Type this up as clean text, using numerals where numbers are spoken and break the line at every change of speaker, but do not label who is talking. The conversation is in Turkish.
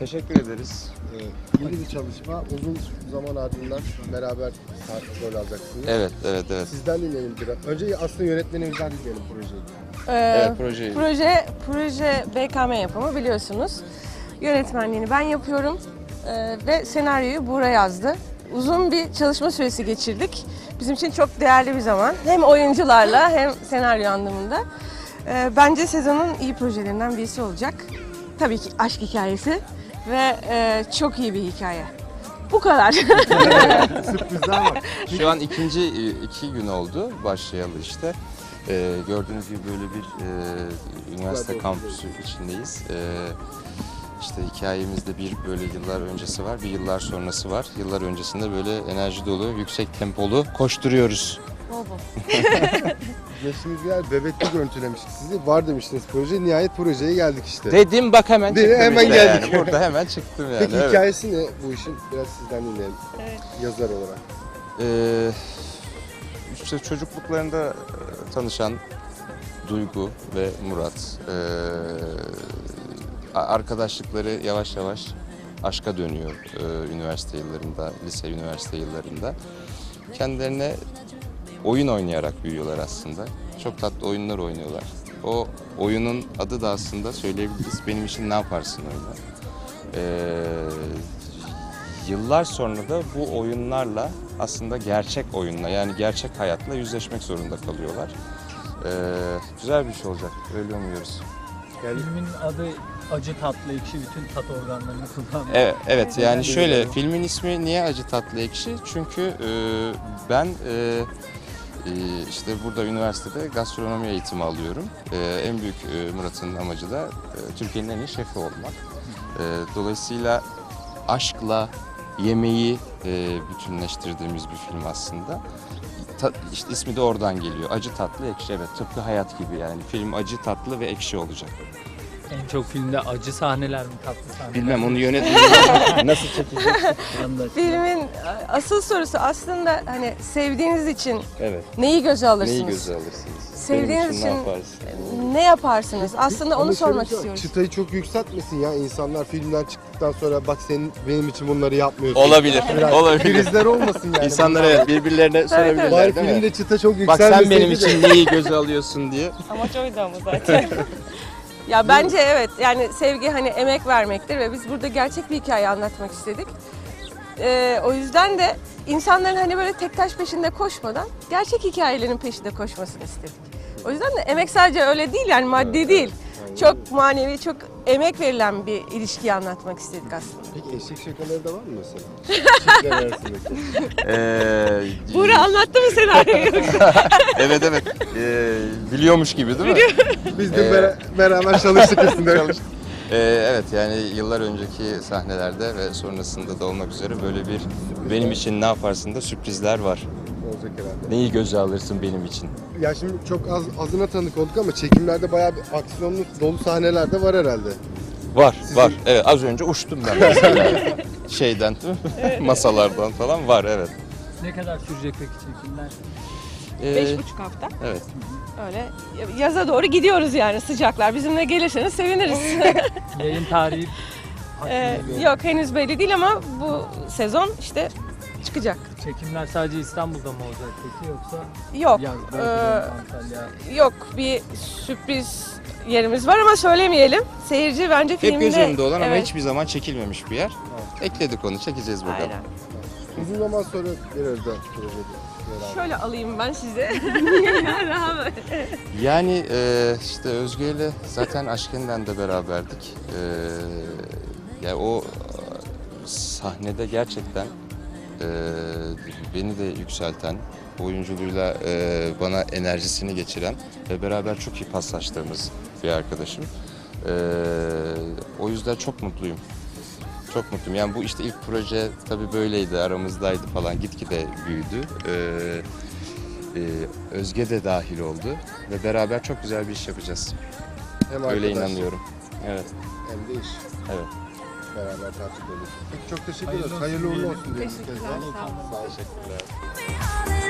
Teşekkür ederiz.
Yeni bir çalışma, uzun zaman ardından beraber rol alacaksınız.
Evet.
Sizden dinleyelim biraz. Önce aslında yönetmenimizden dinleyelim projeyi.
Evet, projeyi.
Proje BKM yapımı biliyorsunuz. Yönetmenliğini ben yapıyorum ve senaryoyu Buğra yazdı. Uzun bir çalışma süresi geçirdik. Bizim için çok değerli bir zaman. Hem oyuncularla hem senaryo anlamında. Bence sezonun iyi projelerinden birisi olacak. Tabii ki aşk hikayesi ve çok iyi bir hikaye. Bu kadar.
Sürprizler var.
Şu an iki gün oldu başlayalı işte. Gördüğünüz gibi böyle bir üniversite kampüsü içindeyiz. İşte hikayemizde bir böyle yıllar öncesi var, bir yıllar sonrası var. Yıllar öncesinde böyle enerji dolu, yüksek tempolu koşturuyoruz.
Geçtiğimiz bir yer Bebek'te görüntülemiştik sizi. Var demiştiniz proje. Nihayet projeye geldik işte.
Dedim bak hemen çıktım
Hemen
işte
geldik.
yani. Burada hemen çıktım yani.
Peki
evet.
hikayesi ne bu işin? Biraz sizden dinleyelim.
Evet.
Yazar olarak.
İşte çocukluklarında tanışan Duygu ve Murat. Arkadaşlıkları yavaş yavaş aşka dönüyor üniversite yıllarında, lise üniversite yıllarında. Kendilerine oyun oynayarak büyüyorlar aslında. Çok tatlı oyunlar oynuyorlar. O oyunun adı da aslında söyleyebiliriz. Benim için ne yaparsın oyunu. Yıllar sonra da bu oyunlarla aslında gerçek oyunla yani gerçek hayatla yüzleşmek zorunda kalıyorlar. Güzel bir şey olacak. Öyle umuyoruz.
Yani
Filmin adı acı tatlı ekşi, bütün tat organlarını kullanıyor.
Evet yani şöyle filmin ismi niye acı tatlı ekşi? Çünkü ben işte burada üniversitede gastronomi eğitimi alıyorum. En büyük Murat'ın amacı da Türkiye'nin en iyi şefi olmak. Dolayısıyla aşkla yemeği bütünleştirdiğimiz bir film aslında. İşte ismi de oradan geliyor. Acı tatlı ekşi, evet, tıpkı hayat gibi yani. Film acı tatlı ve ekşi olacak.
En çok filmde acı sahneler mi, tatlı sahneler mi?
Bilmem onu yönetmen nasıl çekecek?
Filmin asıl sorusu aslında hani sevdiğiniz için
Evet.
neyi göze alırsınız?
Neyi göze alırsınız?
Sevdiğiniz
Benim için
için
ne yaparsın?
ne yaparsınız? Aslında
Ama
onu
şöyle
sormak
bir şey var,
istiyoruz.
Çıtayı çok yükseltmesin ya insanlar filmden çıktıktan sonra bak senin benim için bunları yapmıyorsun.
Olabilir,
Biraz
olabilir.
Krizler olmasın yani.
İnsanlara birbirlerine
Bari
sorabilirler değil mi?
filmde çıta çok
Bak
yükselmeseydi
sen benim
de.
için neyi göze alıyorsun diye.
Amaç oydu ama zaten. Ya bence evet yani sevgi hani emek vermektir ve biz burada gerçek bir hikaye anlatmak istedik. O yüzden de insanların hani böyle tek taş peşinde koşmadan gerçek hikayelerin peşinde koşmasını istedik. O yüzden de emek sadece öyle değil yani maddi değil. Çok manevi, çok emek verilen bir ilişkiyi anlatmak istedik aslında.
Peki eşek şakaları da var mı mesela? Çiftler arasındaki.
Buğra anlattı mı senaryoyu?
Evet. Biliyormuş gibi değil mi?
Biz de beraber çalıştık üstünde.
Evet yani yıllar önceki sahnelerde ve sonrasında da olmak üzere böyle bir benim için ne yaparsın da sürprizler var.
Olacak herhalde.
Neyi göze alırsın benim için?
Ya şimdi çok azına tanık olduk ama çekimlerde bayağı bir aksiyonlu dolu sahneler de var herhalde.
Var. Evet az önce uçtum ben mesela şeyden masalardan falan var evet.
Ne kadar sürecek peki çekimler?
5,5 hafta.
Evet.
Öyle yaza doğru gidiyoruz yani sıcaklar. Bizimle gelirseniz seviniriz.
Yayın tarihi
Yok henüz belli değil ama bu sezon işte çıkacak.
Çekimler sadece İstanbul'da mı olacak peki yoksa
Yok.
yazda Antalya?
Yok bir sürpriz yerimiz var ama söylemeyelim. Seyirci bence
Hep
filmde...
göz önünde olan ama
Evet.
hiçbir zaman çekilmemiş bir yer. Ekledik onu, çekeceğiz bakalım.
Aynen.
Uzun zaman sonra bir arada projede.
Şöyle alayım ben size.
Yani işte Özge ile zaten Aşken'den de beraberdik. Yani o sahnede gerçekten beni de yükselten, oyunculuğuyla bana enerjisini geçiren ve beraber çok iyi paslaştığımız bir arkadaşım. O yüzden çok mutluyum. Çok mutluyum. Yani bu işte ilk proje tabii böyleydi, aramızdaydı falan, gitgide büyüdü. Özge de dahil oldu ve beraber çok güzel bir iş yapacağız.
Hem
Öyle
arkadaş,
inanıyorum. Evet.
hem de iş.
Evet.
Beraber takip ediyoruz. Peki çok teşekkür ederiz.
Hayırlı olsun
Hayırlı uğurlu
diyelim.
olsun diyelim.
Teşekkürler. Sağ olun.
Teşekkürler.
Be honest.